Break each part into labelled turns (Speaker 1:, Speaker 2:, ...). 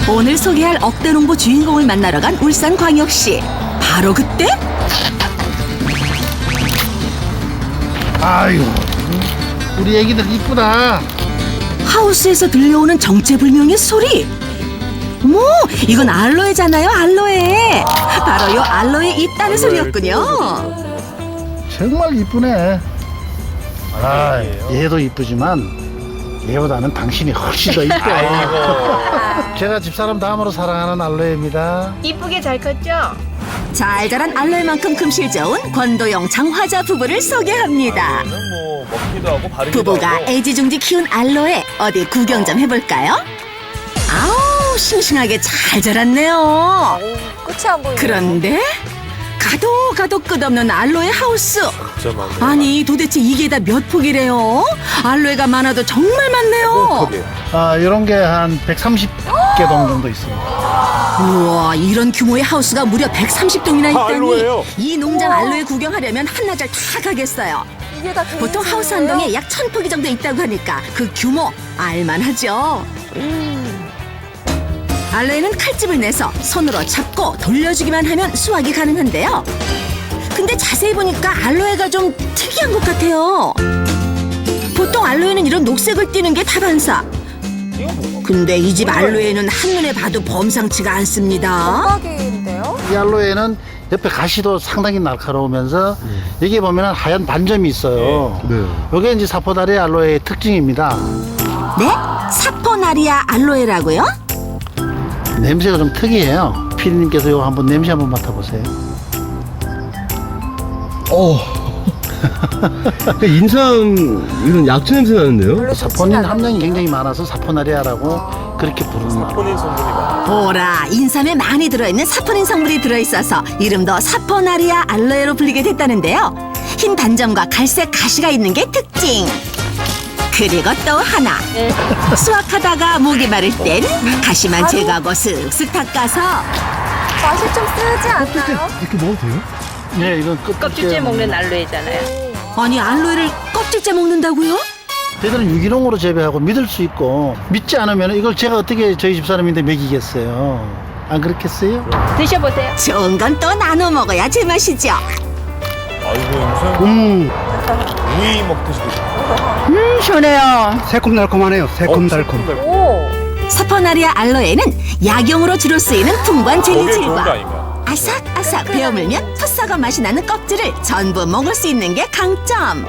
Speaker 1: 오늘 소개할 억대농부 주인공을 만나러 간 울산광역시. 바로 그때
Speaker 2: 아유, 우리 애기들 이쁘다.
Speaker 1: 하우스에서 들려오는 정체불명의 소리. 뭐 이건 알로에잖아요, 알로에. 바로 요 알로에 있다는 소리였군요.
Speaker 2: 정말 이쁘네. 아, 얘도 이쁘지만 얘보다는 당신이 훨씬 더 이뻐. 제가 집사람 다음으로 사랑하는 알로에입니다.
Speaker 3: 이쁘게 잘 컸죠?
Speaker 1: 잘 자란 알로에만큼 금실 좋은 권도영 장화자 부부를 소개합니다.
Speaker 4: 뭐 먹기도 하고 바르기도
Speaker 1: 부부가
Speaker 4: 하고.
Speaker 1: 애지중지 키운 알로에 어디 구경 좀 해볼까요? 아우 싱싱하게 잘 자랐네요.
Speaker 3: 끝이 안 보이네.
Speaker 1: 그런데 가도 끝없는 알로에 하우스.
Speaker 4: 진짜 많네.
Speaker 1: 아니 도대체 이게 다 몇 폭이래요? 알로에가 많아도 정말 많네요.
Speaker 2: 아, 이런 게 한 130개 정도 있습니다.
Speaker 1: 우와 이런 규모의 하우스가 무려 130동이나 있다니.
Speaker 4: 알로에요?
Speaker 1: 이 농장 알로에 구경하려면 한나절 다 가겠어요.
Speaker 3: 이게 다
Speaker 1: 보통 하우스 한 동에 약 1000폭이 정도 있다고 하니까 그 규모 알만하죠. 알로에는 칼집을 내서 손으로 잡고 돌려주기만 하면 수확이 가능한데요. 근데 자세히 보니까 알로에가 좀 특이한 것 같아요. 보통 알로에는 이런 녹색을 띠는 게 다반사. 근데 이 집 알로에는 한눈에 봐도 범상치가 않습니다.
Speaker 3: 대박인데요?
Speaker 2: 이 알로에는 옆에 가시도 상당히 날카로우면서 여기 보면 하얀 반점이 있어요. 이게 이제 사포다리 알로에의 특징입니다.
Speaker 1: 네? 사포나리아 알로에라고요?
Speaker 2: 냄새가 좀 특이해요. 피디님께서 이거 한번 냄새 한번 맡아보세요.
Speaker 5: 인삼 이런 약초 냄새 나는데요?
Speaker 2: 사포닌 함량이 굉장히 많아서 사포나리아라고 그렇게 부르는 말.
Speaker 4: 본인 성분이 많아.
Speaker 1: 보라, 인삼에 많이 들어있는 사포닌 성분이 들어있어서 이름도 사포나리아 알로에로 불리게 됐다는데요. 흰 반점과 갈색 가시가 있는 게 특징. 그리고 또 하나. 수확하다가 목이 마를 땐 가시만 제거하고 슥슥 닦아서
Speaker 3: 맛이 좀 쓰지 않나요?
Speaker 5: 이렇게 먹어도 돼요?
Speaker 2: 네, 이건
Speaker 6: 껍질째 먹는 알로에잖아요.
Speaker 1: 아니 알로에를 껍질째 먹는다고요?
Speaker 2: 저희들은 유기농으로 재배하고 믿을 수 있고 믿지 않으면 이걸 제가 어떻게 저희 집사람인데 먹이겠어요? 안 그렇겠어요?
Speaker 6: 드셔보세요.
Speaker 1: 좋은 건 또 나눠 먹어야 제맛이죠.
Speaker 4: 아이고 무슨 우이 먹듯이 드시고.
Speaker 1: 시원해요.
Speaker 5: 새콤달콤하네요. 새콤달콤.
Speaker 3: 오!
Speaker 1: 사포나리아 알로에는 약용으로 주로 쓰이는 풍부한
Speaker 4: 저게 좋은 거
Speaker 1: 젤리질과
Speaker 4: 아닌가?
Speaker 1: 아삭아삭 베어물면 푸싸고 맛이 나는 껍질을 전부 먹을 수 있는 게 강점.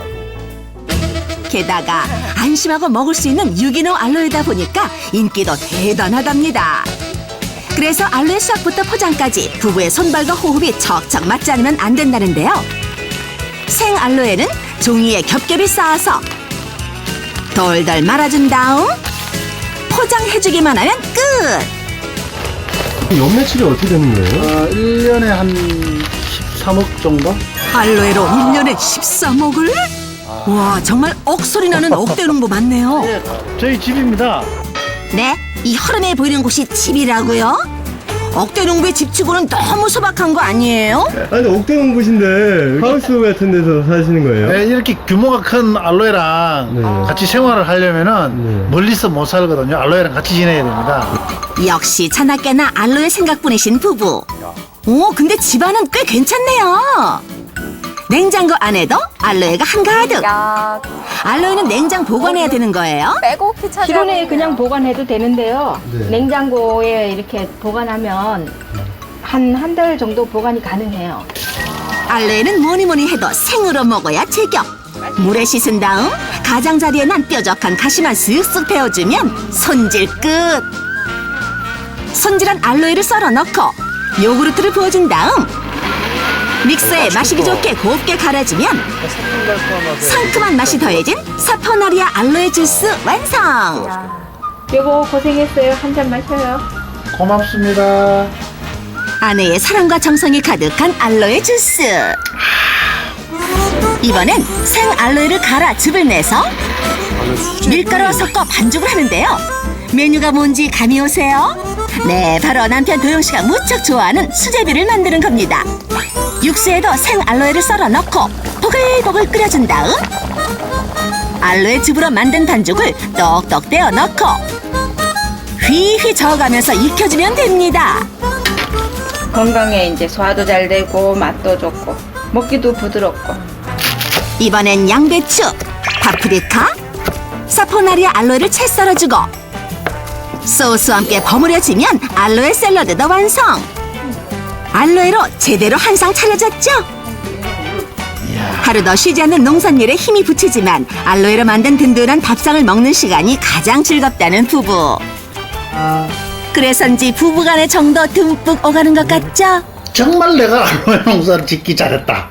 Speaker 1: 게다가 안심하고 먹을 수 있는 유기농 알로에다 보니까 인기도 대단하답니다. 그래서 알로에 수확부터 포장까지 부부의 손발과 호흡이 척척 맞지 않으면 안 된다는데요. 생 알로에는 종이에 겹겹이 쌓아서 돌돌 말아준 다음 포장해주기만 하면 끝!
Speaker 5: 연매출이 어떻게 되는 거예요?
Speaker 2: 1년에 한 13억 정도?
Speaker 1: 알로에로 1년에 13억을? 와 정말 억소리 나는 억대농부 맞네요.
Speaker 2: 네, 저희 집입니다.
Speaker 1: 네? 이 허름해 보이는 곳이 집이라고요? 억대농부의 집치고는 너무 소박한 거 아니에요?
Speaker 5: 아니 옥대농부신데 하우스 같은 데서 사시는 거예요?
Speaker 2: 네, 이렇게 규모가 큰 알로에랑
Speaker 5: 네.
Speaker 2: 같이 생활을 하려면은
Speaker 5: 네.
Speaker 2: 멀리서 못 살거든요. 알로에랑 같이 지내야 됩니다.
Speaker 1: 역시 차나깨나 알로에 생각뿐이신 부부. 오 근데 집안은 꽤 괜찮네요. 냉장고 안에도 알로에가 한가득.
Speaker 3: 야,
Speaker 1: 알로에는 냉장 보관해야 되는 거예요?
Speaker 3: 빼고 피차지.
Speaker 6: 실온에 그냥 보관해도 되는데요.
Speaker 5: 네.
Speaker 6: 냉장고에 이렇게 보관하면 한 달 정도 보관이 가능해요.
Speaker 1: 알로에는 뭐니 해도 생으로 먹어야 제격. 물에 씻은 다음 가장자리에 난 뾰족한 가시만 쓱쓱 베어주면 손질 끝. 손질한 알로에를 썰어 넣고 요구르트를 부어준 다음 믹서에 마시기 좋게 곱게 갈아주면 상큼한 맛이 더해진 사포나리아 알로에 주스 완성.
Speaker 6: 여보 고생했어요. 한 잔 마셔요.
Speaker 2: 고맙습니다.
Speaker 1: 아내의 사랑과 정성이 가득한 알로에 주스. 이번엔 생 알로에를 갈아 즙을 내서 밀가루와 섞어 반죽을 하는데요. 메뉴가 뭔지 감이 오세요? 네, 바로 남편 도영 씨가 무척 좋아하는 수제비를 만드는 겁니다. 육수에도 생 알로에를 썰어 넣고 보글보글 끓여준 다음 알로에 즙으로 만든 반죽을 똑똑 떼어 넣고 휘휘 저어가면서 익혀주면 됩니다.
Speaker 6: 건강에 이제 소화도 잘 되고 맛도 좋고 먹기도 부드럽고.
Speaker 1: 이번엔 양배추, 파프리카, 사포나리아 알로에를 채 썰어주고 소스와 함께 버무려지면 알로에 샐러드도 완성. 알로에로 제대로 한 상 차려졌죠? 하루도 쉬지 않는 농산일에 힘이 붙이지만 알로에로 만든 든든한 밥상을 먹는 시간이 가장 즐겁다는 부부. 그래서인지 부부간의 정도 듬뿍 오가는 것 같죠?
Speaker 2: 정말 내가 알로에 농사를 짓기 잘했다.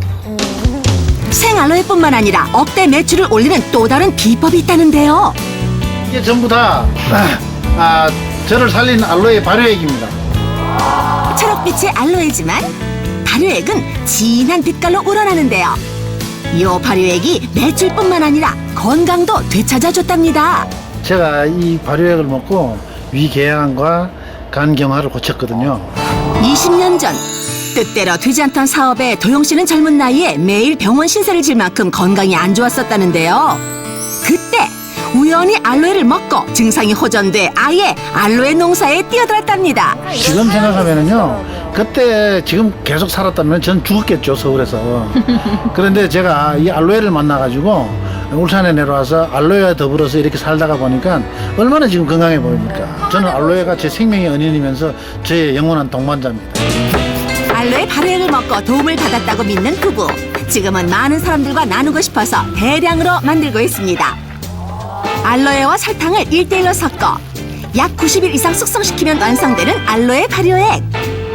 Speaker 1: 생알로에뿐만 아니라 억대 매출을 올리는 또 다른 비법이 있다는데요.
Speaker 2: 이게 전부 다 저를 살린 알로에 발효액입니다.
Speaker 1: 초록빛의 알로에지만 발효액은 진한 빛깔로 우러나는데요. 요 발효액이 매출뿐만 아니라 건강도 되찾아줬답니다.
Speaker 2: 제가 이 발효액을 먹고 위궤양과 간경화를 고쳤거든요.
Speaker 1: 20년 전 뜻대로 되지 않던 사업에 도영 씨는 젊은 나이에 매일 병원 신세를 질 만큼 건강이 안 좋았었다는데요. 그때 우연히 알로에를 먹고 증상이 호전돼 아예 알로에 농사에 뛰어들었답니다.
Speaker 2: 지금 생각하면은요, 그때 지금 계속 살았다면 전 죽었겠죠, 서울에서. 그런데 제가 이 알로에를 만나가지고 울산에 내려와서 알로에와 더불어서 이렇게 살다가 보니까 얼마나 지금 건강해 보입니까? 저는 알로에가 제 생명의 은인이면서 저의 영원한 동반자입니다.
Speaker 1: 알로에 발효액을 먹고 도움을 받았다고 믿는 부부. 지금은 많은 사람들과 나누고 싶어서 대량으로 만들고 있습니다. 알로에와 설탕을 1대1로 섞어 약 90일 이상 숙성시키면 완성되는 알로에 발효액.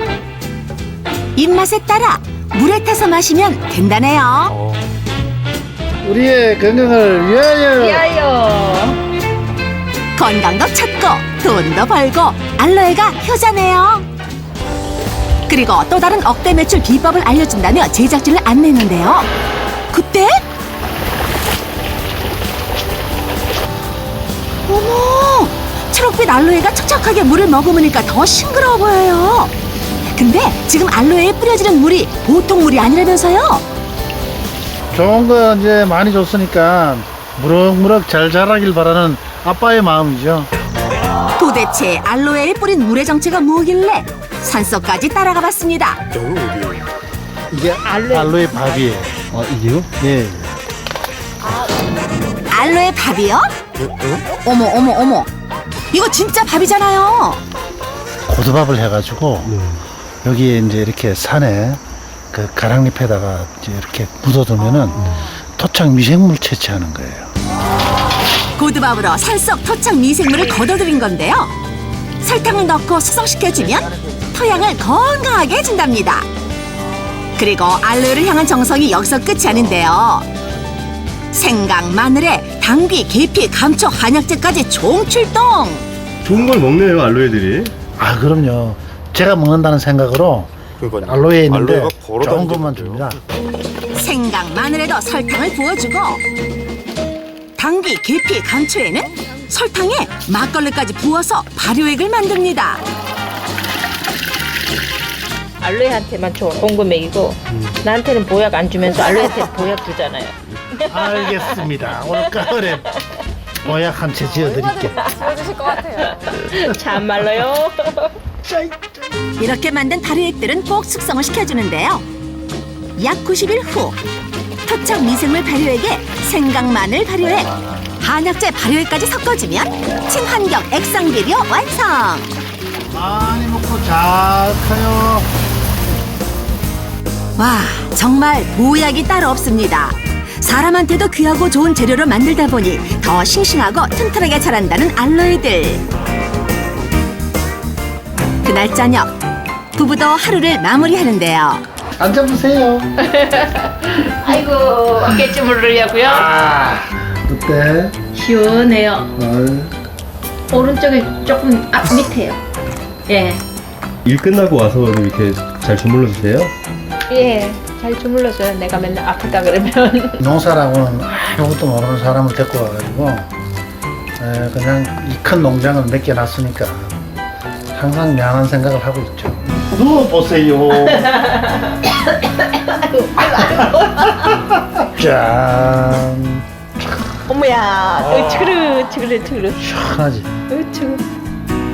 Speaker 1: 입맛에 따라 물에 타서 마시면 된다네요.
Speaker 2: 우리의 건강을 위하여.
Speaker 1: 건강도 찾고 돈도 벌고 알로에가 효자네요. 그리고 또 다른 억대 매출 비법을 알려준다며 제작진을 안내했는데요. 그때 어머! 초록빛 알로에가 촉촉하게 물을 머금으니까 더 싱그러워 보여요. 근데 지금 알로에에 뿌려지는 물이 보통 물이 아니라면서요?
Speaker 2: 좋은 거 이제 많이 줬으니까 무럭무럭 잘 자라길 바라는 아빠의 마음이죠.
Speaker 1: 도대체 알로에에 뿌린 물의 정체가 뭐길래 산속까지 따라가 봤습니다.
Speaker 2: 이게 알로에 밥이에요.
Speaker 5: 이게요?
Speaker 2: 네.
Speaker 1: 알로에 밥이요? 어머 어머 어머, 이거 진짜 밥이잖아요.
Speaker 2: 고두밥을 해가지고 여기에 이제 이렇게 산에 그 가랑잎에다가 이제 이렇게 묻어두면은 토착 미생물 채취하는 거예요.
Speaker 1: 고두밥으로 산속 토착 미생물을 걷어들인 건데요. 설탕을 넣고 숙성시켜주면 토양을 건강하게 해준답니다. 그리고 알로에를 향한 정성이 여기서 끝이 아닌데요. 생강, 마늘에 당귀, 계피, 감초, 한약재까지 총출동.
Speaker 5: 좋은 걸 먹네요, 알로에들이.
Speaker 2: 아 그럼요. 제가 먹는다는 생각으로
Speaker 4: 그러니까요.
Speaker 2: 알로에에 있는데
Speaker 4: 알로에가 걸어
Speaker 2: 좋은
Speaker 4: 다니는
Speaker 2: 것만
Speaker 4: 게
Speaker 2: 줍니다.
Speaker 1: 생강, 마늘에도 설탕을 부어주고 당귀, 계피, 감초에는 설탕에 막걸리까지 부어서 발효액을 만듭니다.
Speaker 6: 알로에한테만 좋은 거 먹이고 나한테는 보약 안 주면서 알로에한테 보약 주잖아요.
Speaker 2: 알겠습니다. 오늘 가을에 보약 한 채 지어드릴게.
Speaker 3: 지워주실 것 같아요.
Speaker 6: 참말로요.
Speaker 1: 이렇게 만든 발효액들은 꼭 숙성을 시켜주는데요. 약 90일 후 토착 미생물 발효액에 생강, 마늘 발효액, 한약재 발효액까지 섞어주면 친환경 액상 비료 완성.
Speaker 2: 많이 먹고 잘 커요.
Speaker 1: 와, 정말 보약이 따로 없습니다. 사람한테도 귀하고 좋은 재료로 만들다 보니 더 싱싱하고 튼튼하게 자란다는 알로에들. 그날 저녁 부부도 하루를 마무리하는데요.
Speaker 2: 앉아보세요.
Speaker 6: 아이고 어깨춤을 누려고요.
Speaker 2: 어때?
Speaker 6: 시원해요. 오른쪽에 조금 앞 밑에요. 예.
Speaker 5: 일 끝나고 와서 이렇게 잘 주물러 주세요?
Speaker 6: 예. 잘 주물러줘요. 내가 맨날 아프다 그러면.
Speaker 2: 농사라고는 아무것도 모르는 사람을 데리고 와가지고 그냥 이 큰 농장을 몇 개 놨으니까 항상 미안한 생각을 하고 있죠. 누워보세요. 짠.
Speaker 6: 어머야. 으츠그르.
Speaker 2: 시원하지?
Speaker 6: 으츠그.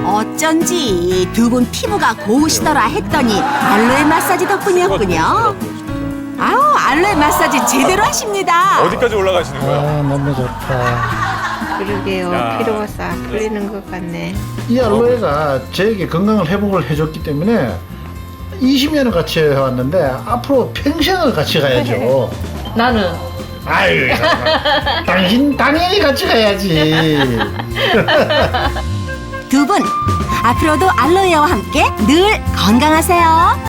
Speaker 1: 어쩐지 두 분 피부가 고우시더라 했더니 알로에 마사지 덕분이었군요. 아우, 알로에 마사지 제대로 하십니다.
Speaker 4: 어디까지 올라가시는 거예요?
Speaker 2: 아, 너무 좋다.
Speaker 6: 그러게요.
Speaker 4: 야.
Speaker 6: 피로가 싹 풀리는 것 같네.
Speaker 2: 이 알로에가 저에게 건강을 회복을 해줬기 때문에 20년을 같이 해왔는데 앞으로 평생을 같이 가야죠.
Speaker 6: 나는
Speaker 2: 아유, 당신 당연히 같이 가야지.
Speaker 1: 두 분 앞으로도 알로에와 함께 늘 건강하세요.